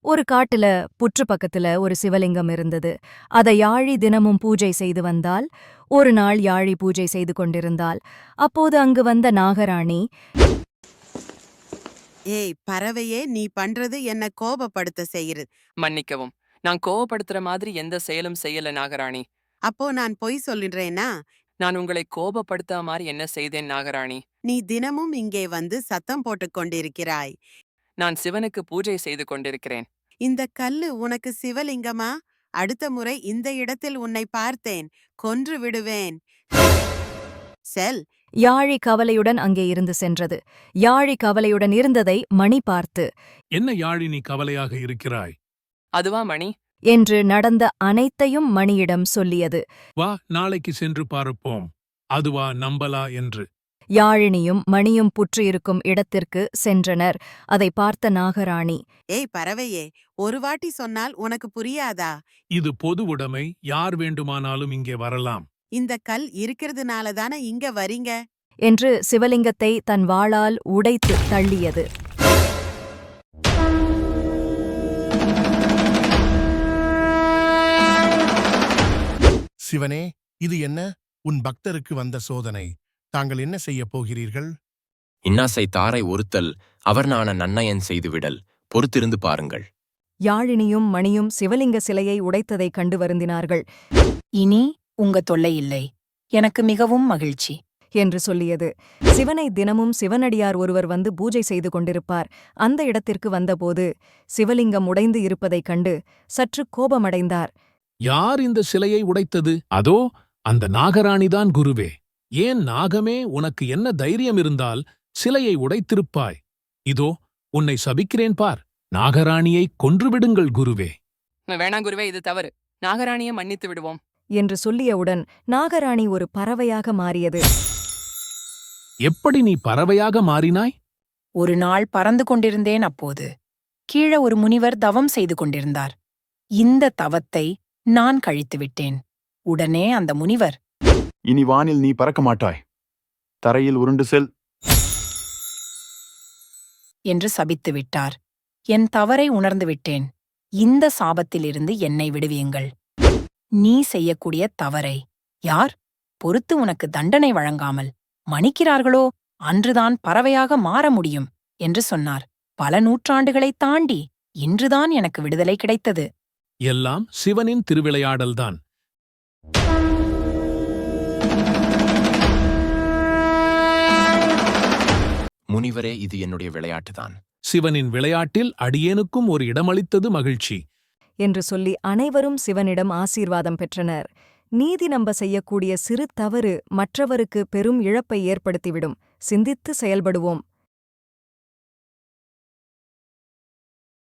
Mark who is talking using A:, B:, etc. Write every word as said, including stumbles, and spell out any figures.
A: ஒரு காட்டுல புற்று பக்கத்துல ஒரு சிவலிங்கம் இருந்தது. அதை யாழி தினமும் பூஜை செய்து வந்தால். ஒரு நாள் யாழி பூஜை செய்து கொண்டிருந்தாள். அப்போது அங்கு வந்த நாகராணி,
B: ஏய் பறவையே, நீ பண்றது என்ன கோபப்படுத்த செய்யுது.
C: மன்னிக்கவும், நான் கோவப்படுத்துற மாதிரி எந்த செயலும் செய்யல நாகராணி.
B: அப்போ நான் பொய் சொல்லிடுறேனா?
C: நான் உங்களை கோபப்படுத்த மாதிரி என்ன செய்தேன் நாகராணி?
B: நீ தினமும் இங்கே வந்து சத்தம் போட்டுக் கொண்டிருக்கிறாய்.
C: நான் சிவனுக்கு பூஜை செய்து கொண்டிருக்கிறேன்.
B: இந்த கல்லு உனக்கு சிவலிங்கமா? அடுத்த முறை இந்த இடத்தில் உன்னை பார்த்தேன், கொன்று விடுவேன். செல்.
A: யாழி கவலையுடன் அங்கே இருந்து சென்றது. யாழி கவலையுடன் இருந்ததை மணி பார்த்து,
D: என்ன யாழி நீ கவலையாக இருக்கிறாய்?
C: அதுவா மணி?
A: என்று நடந்த அனைத்தையும் மணியிடம் சொல்லியது.
D: வா, நாளைக்கு சென்று பார்ப்போம். அதுவா நம்பலா என்று.
A: யாழினியும் மணியும் புற்று இருக்கும் இடத்திற்கு சென்றனர். அதை பார்த்த நாகராணி,
B: ஏய் பறவையே, ஒரு வாட்டி சொன்னால் உனக்கு புரியாதா?
D: இது பொது உடைமை, யார் வேண்டுமானாலும் இங்கே வரலாம்.
B: இந்த கல் இருக்கிறதுனால தானே இங்க வரீங்க.
A: என்று சிவலிங்கத்தை தன் வாளால் உடைத்து தள்ளியது.
E: சிவனே, இது என்ன? உன் பக்தருக்கு வந்த சோதனை. தாங்கள் என்ன செய்யப் போகிறீர்கள்?
F: இன்னாசை தாரை ஒருத்தல் அவர் நான நன்னயன் செய்துவிடல். பொறுத்திருந்து பாருங்கள்.
A: யாழினியும் மணியும் சிவலிங்க சிலையை உடைத்ததைக் கண்டு வருந்தினார்கள்.
G: இனி உங்க தொல்லை இல்லை, எனக்கு மிகவும் மகிழ்ச்சி
A: என்று சொல்லியது. சிவனை தினமும் சிவனடியார் ஒருவர் வந்து பூஜை செய்து கொண்டிருப்பார். அந்த இடத்திற்கு வந்தபோது சிவலிங்கம் உடைந்து இருப்பதைக் கண்டு சற்று கோபமடைந்தார்.
D: யார் இந்த சிலையை உடைத்தது? அதோ அந்த நாகராணிதான் குருவே. ஏன் நாகமே, உனக்கு என்ன தைரியம் இருந்தால் சிலையை உடைத்திருப்பாய்? இதோ உன்னை சபிக்கிறேன் பார். நாகராணியை கொன்றுவிடுங்கள் குருவே.
C: வேணாம் குருவே, இது தவறு. நாகராணியை மன்னித்து விடுவோம்
A: என்று சொல்லியவுடன் நாகராணி ஒரு பறவையாக மாறியது.
D: எப்படி நீ பறவையாக மாறினாய்?
G: ஒரு நாள் பறந்து கொண்டிருந்தேன். அப்போது கீழே ஒரு முனிவர் தவம் செய்து கொண்டிருந்தார். இந்த தவத்தை நான் கழித்துவிட்டேன். உடனே அந்த முனிவர்,
H: இனி வானில் நீ பறக்க மாட்டாய், தரையில் உருண்டு செல்
G: என்று சபித்து விட்டார். என் தவறை உணர்ந்து விட்டேன். இந்த சாபத்திலிருந்து என்னை விடுவியுங்கள். நீ செய்யக்கூடிய தவறை யார் பொறுத்து உனக்கு தண்டனை வழங்காமல் மன்னிக்கிறார்களோ அன்றுதான் பறவையாக மாற முடியும் என்று சொன்னார். பல நூற்றாண்டுகளைத் தாண்டி இன்றுதான் எனக்கு விடுதலை கிடைத்தது.
D: எல்லாம் சிவனின் திருவிளையாடல்தான்.
F: முனிவரே, இது என்னுடைய விளையாட்டுதான்.
D: சிவனின் விளையாட்டில் அடியேனுக்கும் ஒரு இடமளித்தது மகிழ்ச்சி
A: என்று சொல்லி அனைவரும் சிவனிடம் ஆசீர்வாதம் பெற்றனர். நீதி நம்ப செய்யக்கூடிய சிறு தவறு மற்றவருக்கு பெரும் இழப்பை ஏற்படுத்திவிடும். சிந்தித்து செயல்படுவோம்.